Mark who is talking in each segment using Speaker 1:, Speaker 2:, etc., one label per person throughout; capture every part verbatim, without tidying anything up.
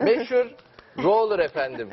Speaker 1: Meşhur roller efendim.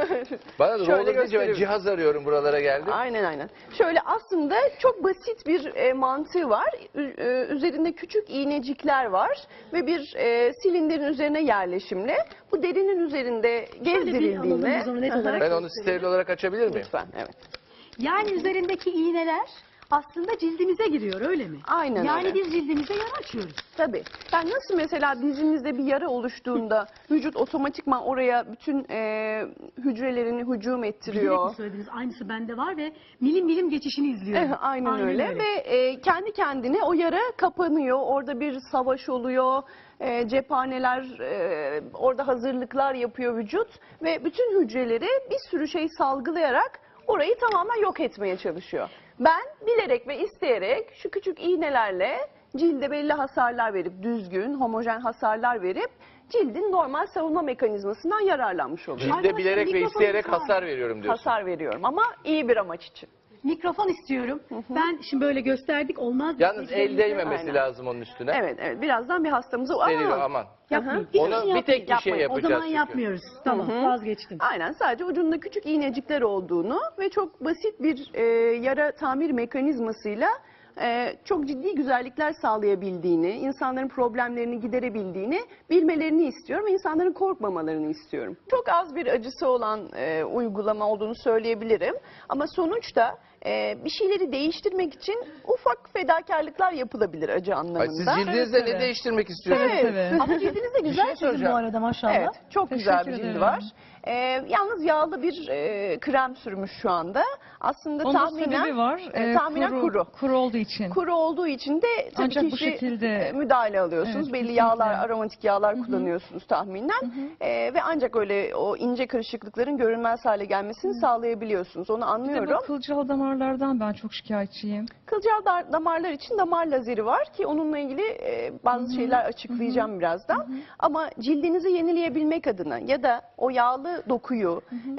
Speaker 1: Bana da
Speaker 2: Şöyle
Speaker 1: roller deyince ben
Speaker 2: göstereyim.
Speaker 1: cihaz arıyorum, buralara geldim.
Speaker 2: Aynen aynen. Şöyle aslında çok basit bir e, mantığı var. Ü- e, üzerinde küçük iğnecikler var ve bir e, silindirin üzerine yerleşimli. Bu derinin üzerinde gezdirildiğinde...
Speaker 3: biz onu net
Speaker 2: Hı hı.
Speaker 3: olarak-
Speaker 1: Ben onu steril olarak açabilir miyim?
Speaker 2: Lütfen, evet.
Speaker 3: Yani üzerindeki iğneler aslında cildimize giriyor, öyle mi?
Speaker 2: Aynen
Speaker 3: Yani
Speaker 2: öyle.
Speaker 3: biz cildimize yara açıyoruz.
Speaker 2: Tabii. Yani nasıl mesela dizimizde bir yara oluştuğunda vücut otomatikman oraya bütün e, hücrelerini hücum
Speaker 3: Bilerek
Speaker 2: ettiriyor.
Speaker 3: mi söylediniz? Aynısı bende var ve milim milim geçişini izliyorum.
Speaker 2: Eh, Aynen, öyle. Ve e, kendi kendine o yara kapanıyor. Orada bir savaş oluyor. E, cephaneler, e, orada hazırlıklar yapıyor vücut. Ve bütün hücreleri bir sürü şey salgılayarak orayı tamamen yok etmeye çalışıyor. Ben bilerek ve isteyerek şu küçük iğnelerle cilde belli hasarlar verip, düzgün, homojen hasarlar verip cildin normal savunma mekanizmasından yararlanmış oluyor.
Speaker 1: Cilde
Speaker 3: Arkadaşlar,
Speaker 1: bilerek ve
Speaker 3: mikrofonum
Speaker 1: isteyerek
Speaker 3: şu an-
Speaker 1: hasar veriyorum diyorsun.
Speaker 2: Hasar veriyorum ama iyi bir amaç için.
Speaker 3: Mikrofon istiyorum. Ben şimdi böyle gösterdik, olmaz.
Speaker 1: Yalnız el değmemesi
Speaker 2: Aynen.
Speaker 1: lazım onun üstüne.
Speaker 2: Evet, evet. Birazdan bir hastamıza...
Speaker 1: Steril
Speaker 2: Aa!
Speaker 1: aman.
Speaker 3: Yapmayın.
Speaker 2: Hı hı.
Speaker 1: Onu
Speaker 3: Hiçbir
Speaker 1: bir tek
Speaker 3: yapmayın.
Speaker 1: kişiye
Speaker 2: Yapmayın.
Speaker 3: O
Speaker 1: yapacağız
Speaker 3: zaman
Speaker 1: çünkü.
Speaker 3: yapmıyoruz. Tamam,
Speaker 2: Hı hı.
Speaker 3: vazgeçtim.
Speaker 2: Aynen, sadece ucunda küçük iğnecikler olduğunu ve çok basit bir e, yara tamir mekanizmasıyla e, çok ciddi güzellikler sağlayabildiğini, insanların problemlerini giderebildiğini bilmelerini istiyorum ve insanların korkmamalarını istiyorum. Çok az bir acısı olan e, uygulama olduğunu söyleyebilirim ama sonuçta e, bir şeyleri değiştirmek için ufak fedakarlıklar yapılabilir acı
Speaker 1: Ay,
Speaker 2: anlamında.
Speaker 1: siz cildinizde
Speaker 4: Evet,
Speaker 1: ne
Speaker 4: evet.
Speaker 1: değiştirmek istiyorsunuz?
Speaker 2: Evet.
Speaker 3: Ama cildiniz de güzel sizin
Speaker 1: soracağım.
Speaker 3: bu arada maşallah.
Speaker 2: Evet, çok güzel bir
Speaker 4: Teşekkür
Speaker 2: cildi
Speaker 4: ederim.
Speaker 2: var. Ee, yalnız yağlı bir e, krem sürmüş şu anda. Aslında
Speaker 4: Onun
Speaker 2: tahminen
Speaker 4: sebebi var.
Speaker 2: e,
Speaker 4: Ee,
Speaker 2: tahminen kuru.
Speaker 4: Kuru olduğu için.
Speaker 2: Kuru olduğu için de tabii
Speaker 4: Ancak bu
Speaker 2: kişi
Speaker 4: şekilde-
Speaker 2: e, müdahale alıyorsunuz.
Speaker 4: Evet,
Speaker 2: Belli
Speaker 4: kesinlikle.
Speaker 2: yağlar, aromatik yağlar kullanıyorsunuz tahminen. E, ve ancak öyle o ince kırışıklıkların görünmez hale gelmesini sağlayabiliyorsunuz. Onu
Speaker 4: Bir de
Speaker 2: anlıyorum.
Speaker 4: bu kılcal damarlardan ben çok şikayetçiyim.
Speaker 2: Kılcal dar- damarlar için damar lazeri var ki onunla ilgili e, bazı şeyler açıklayacağım birazdan. Ama cildinizi yenileyebilmek adına ya da o yağlı dokuyu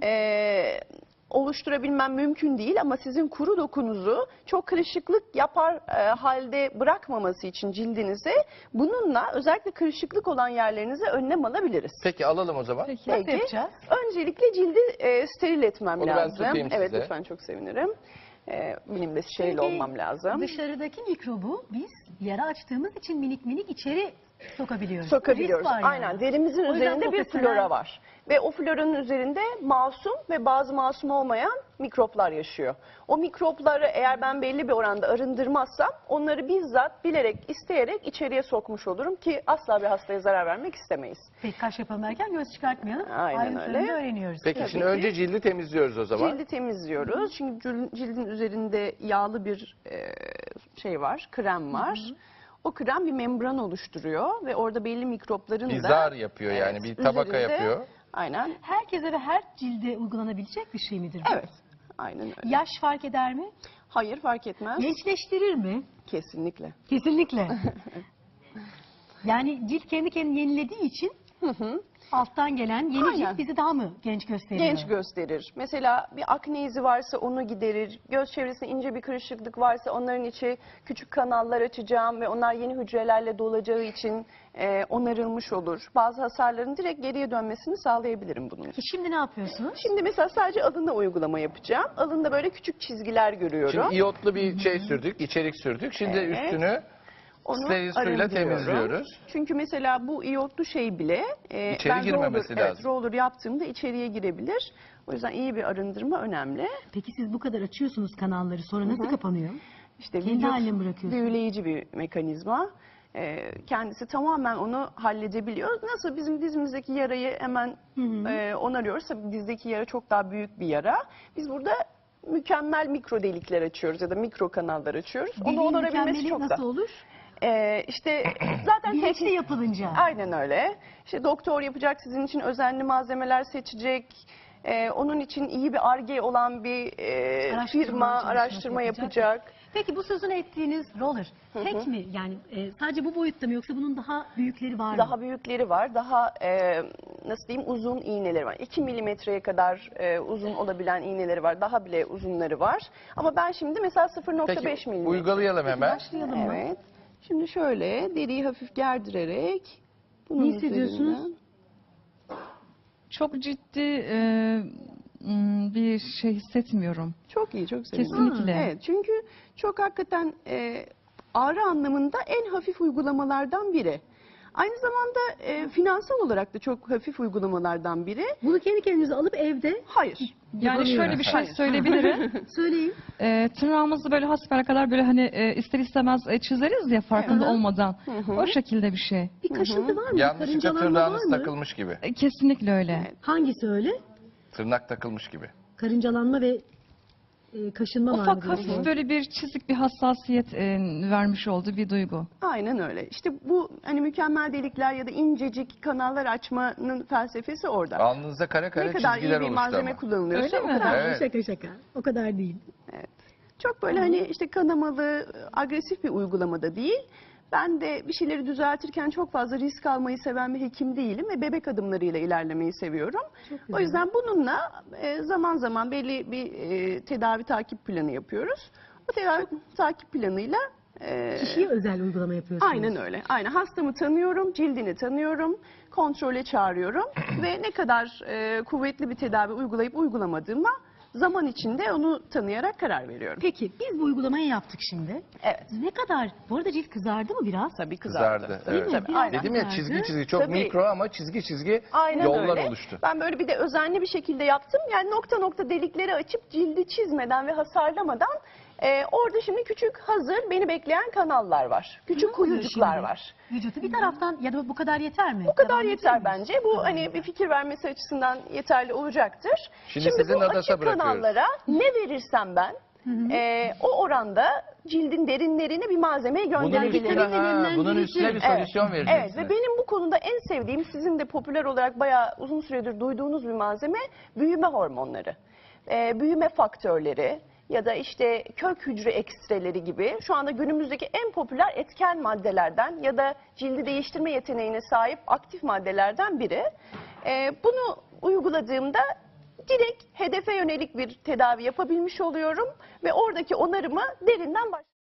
Speaker 2: e, oluşturabilmem mümkün değil ama sizin kuru dokunuzu çok kırışıklık yapar e, halde bırakmaması için cildinize bununla özellikle kırışıklık olan yerlerinize önlem alabiliriz.
Speaker 1: Peki alalım o zaman.
Speaker 4: Peki.
Speaker 3: Nasıl
Speaker 2: Peki.
Speaker 3: yapacağız?
Speaker 2: Öncelikle cildi e, steril etmem
Speaker 1: Onu ben
Speaker 2: lazım.
Speaker 1: tutayım
Speaker 2: Evet,
Speaker 1: size.
Speaker 2: lütfen, çok sevinirim. E, benim de steril
Speaker 3: Çünkü
Speaker 2: olmam lazım.
Speaker 3: Dışarıdaki mikrobu biz yara açtığımız için minik minik içeri sokabiliyoruz.
Speaker 2: Sokabiliyoruz.
Speaker 3: Risk var yani.
Speaker 2: Aynen. Derimizin
Speaker 3: O yüzden
Speaker 2: üzerinde bir
Speaker 3: profesyonel-
Speaker 2: flora var. Ve o floranın üzerinde masum ve bazı masum olmayan mikroplar yaşıyor. O mikropları eğer ben belli bir oranda arındırmazsam onları bizzat bilerek, isteyerek içeriye sokmuş olurum ki asla bir hastaya zarar vermek istemeyiz.
Speaker 3: Peki kaş yapalım derken göz çıkartmayalım.
Speaker 2: Aynen
Speaker 3: Ayrıntılarını
Speaker 2: öyle.
Speaker 3: öğreniyoruz.
Speaker 1: Peki
Speaker 2: Tabii
Speaker 1: şimdi
Speaker 2: ki.
Speaker 1: önce cildi temizliyoruz o zaman.
Speaker 2: Cildi temizliyoruz. Çünkü cil- cildin üzerinde yağlı bir e, şey var, krem var. O krem bir membran oluşturuyor ve orada belli mikropların
Speaker 1: Bir
Speaker 2: da...
Speaker 1: zar yapıyor yani, bir tabaka
Speaker 2: üzerinde-
Speaker 1: yapıyor.
Speaker 2: Aynen.
Speaker 3: Herkese ve her cilde uygulanabilecek bir şey midir bu?
Speaker 2: Evet. Aynen öyle.
Speaker 3: Yaş fark eder mi?
Speaker 2: Hayır, fark etmez.
Speaker 3: Gençleştirir mi?
Speaker 2: Kesinlikle.
Speaker 3: Kesinlikle. Yani cilt kendi kendini yenilediği için
Speaker 2: Hı hı.
Speaker 3: alttan gelen yeni
Speaker 2: Aynen.
Speaker 3: cilt bizi daha mı genç gösteriyor?
Speaker 2: Genç gösterir. Mesela bir akne izi varsa onu giderir. Göz çevresinde ince bir kırışıklık varsa onların içi küçük kanallar açacağım ve onlar yeni hücrelerle dolacağı için e, onarılmış olur. Bazı hasarların direkt geriye dönmesini sağlayabilirim bunun için.
Speaker 3: E Şimdi ne yapıyorsunuz?
Speaker 2: Şimdi mesela sadece alında uygulama yapacağım. Alında böyle küçük çizgiler görüyorum.
Speaker 1: Şimdi iyotlu bir şey sürdük, içerik sürdük. Şimdi
Speaker 2: Evet.
Speaker 1: üstünü
Speaker 2: Onu
Speaker 1: steril suyla
Speaker 2: arındırıyorum.
Speaker 1: temizliyoruz.
Speaker 2: Çünkü mesela bu iyotlu şey bile e,
Speaker 1: İçeri
Speaker 2: ben
Speaker 1: girmemesi
Speaker 2: roller,
Speaker 1: lazım.
Speaker 2: Evet, roller yaptığımda içeriye girebilir. O yüzden iyi bir arındırma önemli.
Speaker 3: Peki siz bu kadar açıyorsunuz kanalları, sonra nasıl kapanıyor?
Speaker 2: İşte
Speaker 3: Kendi
Speaker 2: vücut
Speaker 3: haline mi bırakıyorsunuz?
Speaker 2: büyüleyici bir mekanizma. Ee, kendisi tamamen onu halledebiliyor. Nasıl bizim dizimizdeki yarayı hemen e, onarıyoruz. Tabii dizdeki yara çok daha büyük bir yara. Biz burada mükemmel mikro delikler açıyoruz ya da mikro kanallar açıyoruz. Onu
Speaker 3: Deliğin
Speaker 2: onarabilmesi
Speaker 3: mükemmeli
Speaker 2: çok
Speaker 3: nasıl
Speaker 2: da.
Speaker 3: olur?
Speaker 2: Ee, işte zaten
Speaker 3: Bilinçli
Speaker 2: teknik.
Speaker 3: yapılınca.
Speaker 2: Aynen öyle. İşte doktor yapacak, sizin için özenli malzemeler seçecek. Ee, onun için iyi bir Ar-Ge olan bir e,
Speaker 3: Araştırma
Speaker 2: firma
Speaker 3: çalışması
Speaker 2: araştırma
Speaker 3: yapacak.
Speaker 2: yapacak.
Speaker 3: Peki bu sözünü ettiğiniz roller tek mi? Yani e, sadece bu boyutta mı yoksa bunun daha büyükleri var mı?
Speaker 2: Daha büyükleri var, daha e, nasıl diyeyim uzun iğneleri var. iki milimetreye kadar e, uzun olabilen iğneleri var, daha bile uzunları var. Ama ben şimdi mesela sıfır nokta beş
Speaker 1: Peki
Speaker 2: milimetre.
Speaker 1: uygulayalım hemen.
Speaker 3: Başlayalım mı?
Speaker 2: Evet. Şimdi şöyle deriyi hafif gerdirerek bunun
Speaker 3: Ne hissediyorsunuz?
Speaker 2: üzerinden
Speaker 4: Çok ciddi e, m, bir şey hissetmiyorum.
Speaker 2: Çok iyi, çok sevindim.
Speaker 4: Kesinlikle.
Speaker 2: Evet, çünkü çok hakikaten e, ağrı anlamında en hafif uygulamalardan biri. Aynı zamanda e, finansal olarak da çok hafif uygulamalardan biri.
Speaker 3: Bunu kendi kendinize alıp evde
Speaker 2: Hayır.
Speaker 4: Yani
Speaker 3: yapamıyorum.
Speaker 4: şöyle bir şey
Speaker 2: Hayır.
Speaker 4: söyleyebilirim.
Speaker 3: Söyleyin.
Speaker 4: E, tırnağımızı böyle hasbel kadar böyle hani e, ister istemez e, çizeriz ya farkında
Speaker 3: Evet.
Speaker 4: olmadan.
Speaker 2: hı.
Speaker 4: O şekilde bir şey.
Speaker 3: Bir kaşıntı var mı?
Speaker 1: Yanlışlıkla
Speaker 3: Karıncalanma var
Speaker 1: tırnağınız
Speaker 3: mı?
Speaker 1: takılmış gibi.
Speaker 4: E, kesinlikle öyle.
Speaker 2: Evet.
Speaker 3: Hangisi öyle?
Speaker 1: Tırnak takılmış gibi.
Speaker 3: Karıncalanma ve e, kaşınma var mı?
Speaker 4: Ufak
Speaker 3: diyorsunuz?
Speaker 4: hafif böyle bir çizik, bir hassasiyet e, vermiş olduğu bir duygu.
Speaker 2: Aynen öyle. İşte bu hani mükemmel delikler ya da incecik kanallar açmanın felsefesi orada.
Speaker 1: Alnınıza kare kare
Speaker 2: Ne kadar iyi
Speaker 1: çizgiler
Speaker 2: bir
Speaker 1: oluştu
Speaker 2: malzeme
Speaker 1: ama.
Speaker 2: kullanılıyorsa
Speaker 4: Öyle
Speaker 2: o
Speaker 4: mi?
Speaker 2: kadar
Speaker 1: Evet.
Speaker 3: Şaka şaka. O kadar değil.
Speaker 2: çok böyle hani işte kanamalı, agresif bir uygulamada değil. Ben de bir şeyleri düzeltirken çok fazla risk almayı seven bir hekim değilim ve bebek adımlarıyla ilerlemeyi seviyorum.
Speaker 3: Çok güzel.
Speaker 2: O yüzden bununla e, zaman zaman belli bir e, tedavi takip planı yapıyoruz. O tedavi takip planıyla e,
Speaker 3: Kişiye özel uygulama yapıyorsunuz.
Speaker 2: aynen öyle. Aynen hastamı tanıyorum, cildini tanıyorum, kontrole çağırıyorum ve ne kadar e, kuvvetli bir tedavi uygulayıp uygulamadığıma zaman içinde onu tanıyarak karar veriyorum.
Speaker 3: Peki biz bu uygulamayı yaptık şimdi.
Speaker 2: Evet.
Speaker 3: Ne kadar? Bu arada cilt kızardı mı biraz?
Speaker 2: Tabii kızardı.
Speaker 1: Kızardı.
Speaker 3: Değil
Speaker 1: Evet.
Speaker 3: mi?
Speaker 2: Tabii,
Speaker 3: Biraz
Speaker 2: aynen.
Speaker 1: Dedim ya
Speaker 3: kızardı.
Speaker 1: çizgi çizgi çok
Speaker 2: Tabii.
Speaker 1: mikro ama çizgi çizgi
Speaker 2: Aynen
Speaker 1: yollar
Speaker 2: öyle.
Speaker 1: oluştu.
Speaker 2: Ben böyle bir de özenli bir şekilde yaptım. Yani nokta nokta delikleri açıp cildi çizmeden ve hasarlamadan e, orada şimdi küçük hazır beni bekleyen kanallar var. Küçük
Speaker 3: Ne oluyor
Speaker 2: kuyucuklar
Speaker 3: şimdi?
Speaker 2: var.
Speaker 3: Vücutu bir taraftan ya da bu kadar yeter mi?
Speaker 2: Bu kadar
Speaker 3: Devam
Speaker 2: yeter
Speaker 3: edelim mi?
Speaker 2: bence. Bu hani bir fikir vermesi açısından yeterli olacaktır.
Speaker 1: Şimdi sizin
Speaker 2: bu
Speaker 1: Nadas'a
Speaker 2: açık
Speaker 1: bırakıyoruz.
Speaker 2: kanallara ne verirsem ben e, o oranda cildin derinlerine bir malzemeyi
Speaker 1: Bunun
Speaker 2: gönderebilirim.
Speaker 1: üstüne, ha, bunun üstüne bir solüsyon
Speaker 2: Evet,
Speaker 1: vereceksiniz.
Speaker 2: ve benim bu konuda en sevdiğim, sizin de popüler olarak bayağı uzun süredir duyduğunuz bir malzeme büyüme hormonları. Ee, büyüme faktörleri ya da işte kök hücre ekstreleri gibi şu anda günümüzdeki en popüler etken maddelerden ya da cildi değiştirme yeteneğine sahip aktif maddelerden biri. Ee, bunu uyguladığımda direkt hedefe yönelik bir tedavi yapabilmiş oluyorum ve oradaki onarımı derinden başlıyorum.